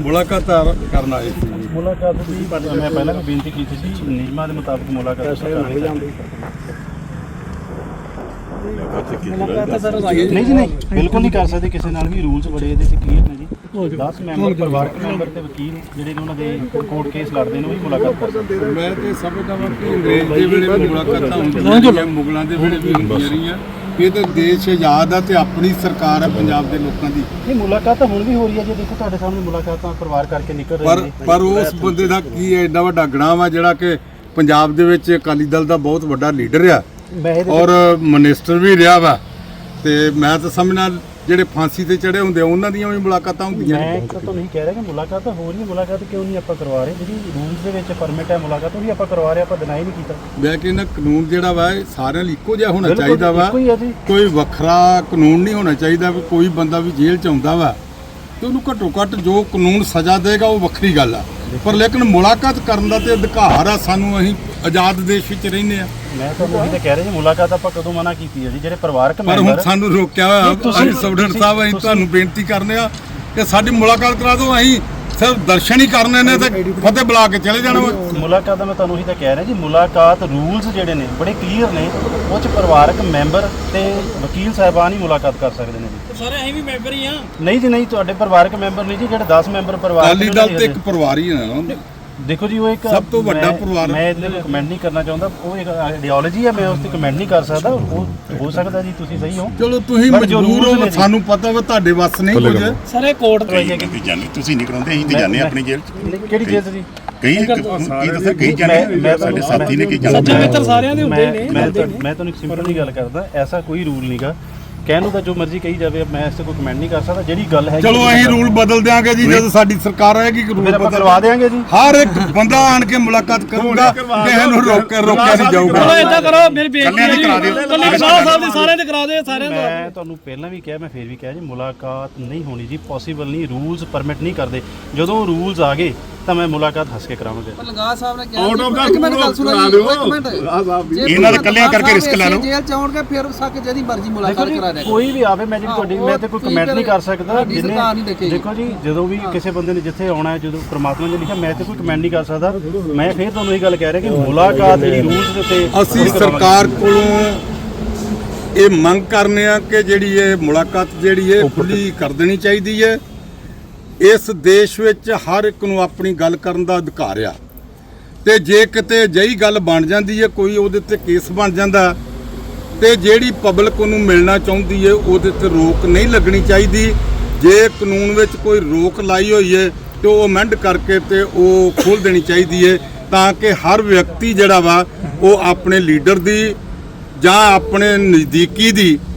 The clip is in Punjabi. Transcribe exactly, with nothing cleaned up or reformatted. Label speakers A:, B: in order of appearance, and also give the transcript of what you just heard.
A: ਮੁਲਾਕਾਤ ਕਰਨ ਆਏ ਸੀ।
B: ਮੁਲਾਕਾਤ ਦੀ ਮੈਂ ਪਹਿਲਾਂ ਵੀ ਬੇਨਤੀ ਕੀਤੀ ਸੀ, ਨਿਯਮਾਂ ਦੇ ਮੁਤਾਬਕ ਮੁਲਾਕਾਤ ਨਹੀਂ ਜੀ, ਨਹੀਂ ਬਿਲਕੁਲ ਨਹੀਂ ਕਰ ਸਕਦੇ ਕਿਸੇ ਨਾਲ ਵੀ। ਰੂਲਸ ਬੜੇ ਇਹਦੇ ਤੇ ਕਲੀਅਰ ਨੇ ਜੀ। ਦਸ ਮੈਂਬਰ ਪਰਿਵਾਰਕ ਮੈਂਬਰ ਤੇ ਵਕੀਲ ਜਿਹੜੇ ਨੇ ਉਹਨਾਂ ਦੇ ਕੋਰਟ ਕੇਸ ਲੜਦੇ ਨੇ ਉਹ ਵੀ ਮੁਲਾਕਾਤ ਕਰ ਸਕਦੇ।
A: ਮੈਂ ਤੇ ਸਮਝਦਾ ਹਾਂ ਕਿ ਅੰਗਰੇਜ਼ ਦੇ ਵੇਲੇ ਵੀ ਮੁਲਾਕਾਤਾਂ ਹੁੰਦੀਆਂ, ਮੁਗਲਾਂ ਦੇ ਵੇਲੇ ਵੀ ਹੁੰਦੀਆਂ ਰਹੀਆਂ। ਇਹ ਤਾਂ ਦੇਸ਼ ਆਜ਼ਾਦ ਆ ਤੇ ਆਪਣੀ ਸਰਕਾਰ ਆ ਪੰਜਾਬ ਦੇ ਲੋਕਾਂ ਦੀ।
B: ਇਹ ਮੁਲਾਕਾਤ ਤਾਂ ਹੁਣ ਵੀ ਹੋ ਰਹੀ ਹੈ ਜੀ, ਦੇਖੋ ਤੁਹਾਡੇ ਸਾਹਮਣੇ ਮੁਲਾਕਾਤਾਂ ਪਰਿਵਾਰ ਕਰਕੇ ਨਿਕਲ ਰਹੀ
A: ਪਰ
B: ਨੇ।
A: ਪਰ ਉਸ ਬੰਦੇ ਦਾ ਕੀ ਹੈ, ਐਡਾ ਵੱਡਾ ਗਣਾਂ ਵਾ ਜਿਹੜਾ ਕਿ ਪੰਜਾਬ ਦੇ ਵਿੱਚ ਅਕਾਲੀ ਦਲ ਦਾ ਬਹੁਤ ਵੱਡਾ ਲੀਡਰ ਆ ਔਰ ਮਿਨਿਸਟਰ ਵੀ ਰਿਹਾ ਵਾ। ਤੇ ਮੈਂ ਤਾਂ ਸਮਝਣਾ ਜਿਹੜੇ ਫਾਂਸੀ ਤੇ ਚੜੇ ਹੁੰਦੇ ਉਹਨਾਂ ਦੀਆਂ ਵੀ ਮੁਲਾਕਾਤਾਂ ਹੁੰਦੀਆਂ।
B: ਮੈਂ ਤਾਂ ਤੁਹਾਨੂੰ ਕਹਿ ਰਿਹਾ ਕਿ ਮੁਲਾਕਾਤ ਤਾਂ ਹੋ ਰਹੀ ਹੈ, ਮੁਲਾਕਾਤ ਕਿਉਂ ਨਹੀਂ ਆਪਾਂ ਕਰਵਾ ਰਹੇ? ਜਿਹੜੀ ਰੂਲਸ ਦੇ ਵਿੱਚ ਪਰਮਿਟ ਹੈ ਮੁਲਾਕਾਤ ਉਹ ਵੀ ਆਪਾਂ ਕਰਵਾ ਰਹੇ, ਆਪਾਂ ਡਿਨਾਈ ਨਹੀਂ ਕੀਤਾ।
A: ਮੈਂ ਕਹਿੰਦਾ ਕਾਨੂੰਨ ਜਿਹੜਾ ਵਾ ਇਹ ਸਾਰਿਆਂ ਲਈ ਇੱਕੋ ਜਿਹਾ ਹੋਣਾ ਚਾਹੀਦਾ ਵਾ,
B: ਇੱਕੋ ਹੀ ਹੈ ਜੀ।
A: ਕੋਈ ਵੱਖਰਾ ਕਾਨੂੰਨ ਨਹੀਂ ਹੋਣਾ ਚਾਹੀਦਾ ਵੀ ਕੋਈ ਬੰਦਾ ਵੀ ਜੇਲ੍ਹ ਚ ਆਉਂਦਾ ਵਾ ਤੇ ਉਹਨੂੰ ਘੱਟੋ ਘੱਟ ਜੋ ਕਾਨੂੰਨ ਸਜ਼ਾ ਦੇਗਾ ਉਹ ਵੱਖਰੀ ਗੱਲ ਆ, ਪਰ ਲੇਕਿਨ ਮੁਲਾਕਾਤ ਕਰਨ ਦਾ ਤੇ ਅਧਿਕਾਰ ਆ ਸਾਨੂੰ। ਅਸੀਂ ਆਜ਼ਾਦ ਦੇਸ਼ ਵਿੱਚ ਰਹਿੰਦੇ ਆ।
B: ਮੈਂ ਤੁਹਾਨੂੰ ਉਹੀ ਤਾਂ ਕਹਿ ਰਿਹਾ ਜੀ, ਮੁਲਾਕਾਤ ਆਪਾਂ ਕਦੋਂ ਮਨਾ ਕੀਤੀ ਹੈ ਜੀ? ਜਿਹੜੇ ਪਰਿਵਾਰਕ ਮੈਂਬਰ
A: ਪਰ ਹੁਣ ਸਾਨੂੰ ਰੋਕਿਆ ਹੋਇਆ। ਅਸੀਂ ਸਬਡਰ ਸਾਹਿਬ ਅਸੀਂ ਤੁਹਾਨੂੰ ਬੇਨਤੀ ਕਰਨੇ ਆ ਕਿ ਸਾਡੀ ਮੁਲਾਕਾਤ ਕਰਾ ਦਿਓ। ਅਸੀਂ ਸਿਰਫ ਦਰਸ਼ਨ ਹੀ ਕਰਨੇ ਨੇ ਤੇ ਫਤਿਹ ਬੁਲਾ ਕੇ ਚਲੇ ਜਾਣਾ ਵਾ।
B: ਮੁਲਾਕਾਤ ਦਾ ਮੈਂ ਤੁਹਾਨੂੰ ਉਹੀ ਤਾਂ ਕਹਿ ਰਿਹਾ ਜੀ, ਮੁਲਾਕਾਤ ਰੂਲਸ ਜਿਹੜੇ ਨੇ ਬੜੇ ਕਲੀਅਰ ਨੇ। ਉਹ 'ਚ ਪਰਿਵਾਰਕ ਮੈਂਬਰ ਤੇ ਵਕੀਲ ਸਾਹਿਬਾਨ ਹੀ ਮੁਲਾਕਾਤ ਕਰ ਸਕਦੇ ਨੇ ਜੀ।
C: ਸਾਰੇ ਅਸੀਂ ਵੀ ਮੈਂਬਰ ਹੀ ਆ।
B: ਨਹੀਂ ਜੀ ਨਹੀਂ, ਤੁਹਾਡੇ ਪਰਿਵਾਰਕ ਮੈਂਬਰ ਨਹੀਂ ਜੀ, ਜਿਹੜੇ ਦਸ ਮੈਂਬਰ ਪਰਿਵਾਰ
A: ਅਕਾਲੀ ਦਲ ਤੇ ਇੱਕ ਪਰਿਵਾਰ ਹੀ ਹੈ ਨਾ।
B: ਦੇਖੋ ਜੀ, ਉਹ ਇੱਕ
A: ਸਭ ਤੋਂ ਵੱਡਾ ਪਰਿਵਾਰ।
B: ਮੈਂ ਇਹਦੇ ਤੇ ਕਮੈਂਟ ਨਹੀਂ ਕਰਨਾ ਚਾਹੁੰਦਾ, ਉਹ ਇੱਕ ਆਈਡੀਓਲੋਜੀ ਹੈ, ਮੈਂ ਉਸ ਤੇ ਕਮੈਂਟ ਨਹੀਂ ਕਰ ਸਕਦਾ। ਉਹ ਹੋ ਸਕਦਾ ਜੀ ਤੁਸੀਂ ਸਹੀ ਹੋ,
A: ਚਲੋ ਤੁਸੀਂ ਮਜਬੂਰ ਹੋ, ਸਾਨੂੰ ਪਤਾ ਵਾ ਤੁਹਾਡੇ ਵੱਸ ਨਹੀਂ ਕੁਝ।
C: ਸਾਰੇ ਕੋਰਟ ਤੇ
D: ਜਾਨੀ ਤੁਸੀਂ ਨਹੀਂ ਕਰਾਉਂਦੇ, ਅਸੀਂ ਤੇ ਜਾਂਦੇ ਆ ਆਪਣੀ ਜੇਲ੍ਹ ਚ।
B: ਕਿਹੜੀ ਜੇਲ੍ਹ 'ਚ ਜੀ?
D: ਕਈ ਕੀ ਦੱਸਿਆ, ਕਈ ਜਾਨੇ ਸਾਡੇ ਸਾਥੀ ਨੇ, ਕਈ
C: ਸੱਜਣ
D: ਜਾਨੇ।
C: ਮਿੱਤਰ ਸਾਰਿਆਂ ਦੇ ਹੁੰਦੇ ਨੇ।
B: ਮੈਂ ਮੈਂ ਤੁਹਾਨੂੰ ਇੱਕ ਸਿੰਪਲ ਜੀ ਗੱਲ ਕਰਦਾ, ਐਸਾ ਕੋਈ ਰੂਲ ਨਹੀਂਗਾ। ਕਹਿਣ ਨੂੰ ਤਾਂ ਜੋ ਮਰਜ਼ੀ ਕਹੀ ਜਾਵੇ, ਮੈਂ ਇਸ ਤੇ ਕੋਈ ਕਮੈਂਟ ਨਹੀਂ ਕਰ ਸਕਦਾ। ਜਿਹੜੀ ਗੱਲ ਹੈ
A: ਚਲੋ ਅਸੀਂ ਰੂਲ ਬਦਲ ਦਿਆਂਗੇ ਜੀ, ਜਦੋਂ ਸਾਡੀ ਸਰਕਾਰ ਆਏਗੀ ਰੂਲ
B: ਫਿਰ ਆਪਾਂ
A: ਬਦਲ
B: ਕਰਵਾ ਦੇਵਾਂਗੇ ਜੀ।
A: ਹਰ ਇੱਕ ਬੰਦਾ ਆਣ ਕੇ ਮੁਲਾਕਾਤ ਕਰੂਗਾ, ਕਿਸੇ ਨੂੰ ਰੋਕ ਕੇ ਰੋਕਿਆ ਨਹੀਂ ਜਾਊਗਾ।
C: ਚਲੋ ਏਦਾਂ ਕਰੋ, ਮੇਰੀ ਬੇਨਤੀ ਹੈ ਜੀ, ਕੱਲੇ ਸਾਹਿਬ ਸਾਹਿਬ ਦੇ ਸਾਰਿਆਂ ਦੇ ਕਰਾ ਦੇ, ਸਾਰਿਆਂ ਦਾ।
B: ਮੈਂ ਤੁਹਾਨੂੰ ਪਹਿਲਾਂ ਵੀ ਕਿਹਾ, ਮੈਂ ਫੇਰ ਵੀ ਕਿਹਾ ਜੀ, ਮੁਲਾਕਾਤ ਨਹੀਂ ਹੋਣੀ ਜੀ, ਪੋਸੀਬਲ ਨਹੀਂ। ਰੂਲਸ ਪਰਮਿਟ ਨਹੀਂ ਕਰਦੇ। ਜਦੋਂ ਰੂਲਸ ਆ ਗਏ ਤਾਂ ਮੈਂ ਮੁਲਾਕਾਤ ਹੱਸ ਕੇ ਕਰਾਵਾਂਗਾ।
E: ਲੰਗਾ ਸਾਹਿਬ ਨੇ ਕਿਹਾ ਇੱਕ ਮਿੰਟ ਗੱਲ ਸੁਣੋ ਜੀ, ਇੱਕ ਮਿੰਟ।
D: ਇਹਨਾਂ ਦੇ ਕੱਲਿਆਂ ਕਰਕੇ ਰਿਸਕ ਲੈ ਲਓ।
E: ਜੇਲ੍ਹ ਚ ਆਉਣਗੇ ਫਿਰ ਸੱਕ ਜਿਹਦੀ ਮਰਜ਼ੀ ਮੁਲਾਕਾਤ ਕਰਾ ਦੇ।
B: ਕੋਈ ਵੀ ਆਵੇ, ਮੈਂ ਜਿਹੜੀ ਤੁਹਾਡੀ ਮੈਂ ਤੇ ਕੋਈ ਕਮੈਂਟ ਨਹੀਂ ਕਰ ਸਕਦਾ। ਦੇਖੋ ਜੀ, ਜਦੋਂ ਵੀ ਕਿਸੇ ਬੰਦੇ ਨੇ ਜਿੱਥੇ ਆਉਣਾ ਹੈ, ਜਦੋਂ ਪ੍ਰਮਾਤਮਾ ਨੇ ਲਿਖਿਆ, ਮੈਂ ਤੇ ਕੋਈ ਕਮੈਂਟ ਨਹੀਂ ਕਰ ਸਕਦਾ। ਮੈਂ ਫੇਰ ਤੁਹਾਨੂੰ ਇਹ ਗੱਲ ਕਹਿ ਰਿਹਾ ਕਿ ਮੁਲਾਕਾਤ ਜਿਹੜੀ ਰੂਲਸ ਦੇ ਉੱਤੇ
A: ਅਸੀਂ ਸਰਕਾਰ ਕੋਲੋਂ ਇਹ ਮੰਗ ਕਰਨੇ ਆ ਕਿ ਜਿਹੜੀ ਇਹ ਮੁਲਾਕਾਤ ਜਿਹੜੀ ਹੈ ਖੁੱਲੀ ਕਰ ਦੇਣੀ ਚਾਹੀਦੀ ਹੈ। ਇਸ ਦੇਸ਼ ਵਿੱਚ ਹਰ ਇੱਕ ਨੂੰ ਆਪਣੀ ਗੱਲ ਕਰਨ ਦਾ ਅਧਿਕਾਰ ਆ, ਤੇ ਜੇ ਕਿਤੇ ਅਜਿਹੀ ਗੱਲ ਬਣ ਜਾਂਦੀ ਹੈ, ਕੋਈ ਉਹਦੇ ਤੇ ਕੇਸ ਬਣ ਜਾਂਦਾ, ਤੇ ਜਿਹੜੀ ਪਬਲਿਕ ਉਹਨੂੰ ਮਿਲਣਾ ਚਾਹੁੰਦੀ ਹੈ ਉਹਦੇ ਤੇ ਰੋਕ ਨਹੀਂ ਲੱਗਣੀ ਚਾਹੀਦੀ। ਜੇ ਕਾਨੂੰਨ ਵਿੱਚ ਕੋਈ ਰੋਕ ਲਾਈ ਹੋਈ ਹੈ ਤੇ ਉਹ ਅਮੈਂਡ ਕਰਕੇ ਤੇ ਉਹ ਖੋਲ੍ਹ ਦੇਣੀ ਚਾਹੀਦੀ ਹੈ, ਤਾਂ ਕਿ ਹਰ ਵਿਅਕਤੀ ਜਿਹੜਾ ਵਾ ਉਹ ਆਪਣੇ ਲੀਡਰ ਦੀ ਜਾਂ ਆਪਣੇ ਨਜ਼ਦੀਕੀ ਦੀ